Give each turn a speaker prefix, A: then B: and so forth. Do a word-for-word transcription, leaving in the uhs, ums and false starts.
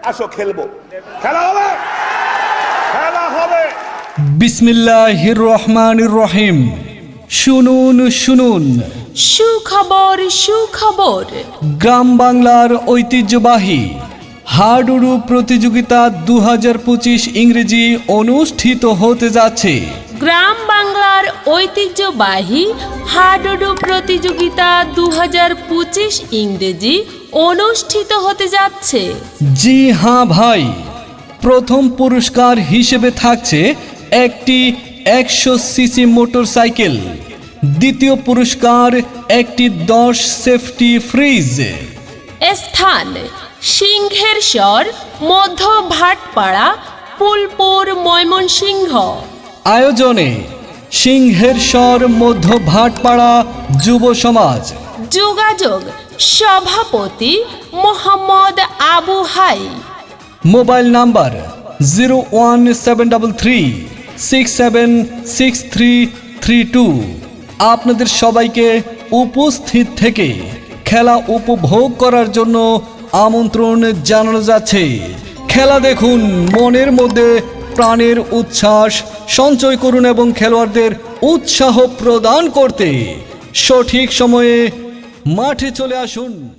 A: আসো খেলবো, খেলা হবে, খেলা হবে।
B: বিসমিল্লাহির রহমানির রহিম। শুনুন শুনুন,
C: সুখবর সুখবর।
B: গ্রাম বাংলার ঐতিহ্যবাহী হাডুডু প্রতিযোগিতা দু হাজার পঁচিশ ইংরেজি অনুষ্ঠিত হতে যাচ্ছে।
C: গ্রাম বাংলার ঐতিহ্যবাহী হাডুডু প্রতিযোগিতা দু হাজার পঁচিশ ইংরেজি অনুষ্ঠিত হতে যাচ্ছে।
B: জি হ্যাঁ ভাই, প্রথম পুরস্কার হিসেবে থাকছে একটি একশো সিসি মোটরসাইকেল, দ্বিতীয় পুরস্কার একটি দশ সেফটি ফ্রিজ।
C: স্থান সিংহের স্বর, মধ্য ভাটপাড়া, ফুলপুর, ময়মনসিংহ।
B: আয়োজনে সিংহের স্বর, মধ্য ভাটপাড়া যুব সমাজ।
C: যোগাযোগ সভাপতি Mohammad Abu Hai.
B: Mobile number zero one seven double three six seven six three three two. আপনাদের সবাইকে উপস্থিত থেকে খেলা উপভোগ করার জন্য আমন্ত্রণ জানানো যাচ্ছে। খেলা দেখুন, মনের মধ্যে প্রাণের উচ্ছ্বাস সঞ্চয় করুন এবং খেলোয়াড়দের উৎসাহ প্রদান করতে সঠিক সময়ে মাঠে চলে আসুন।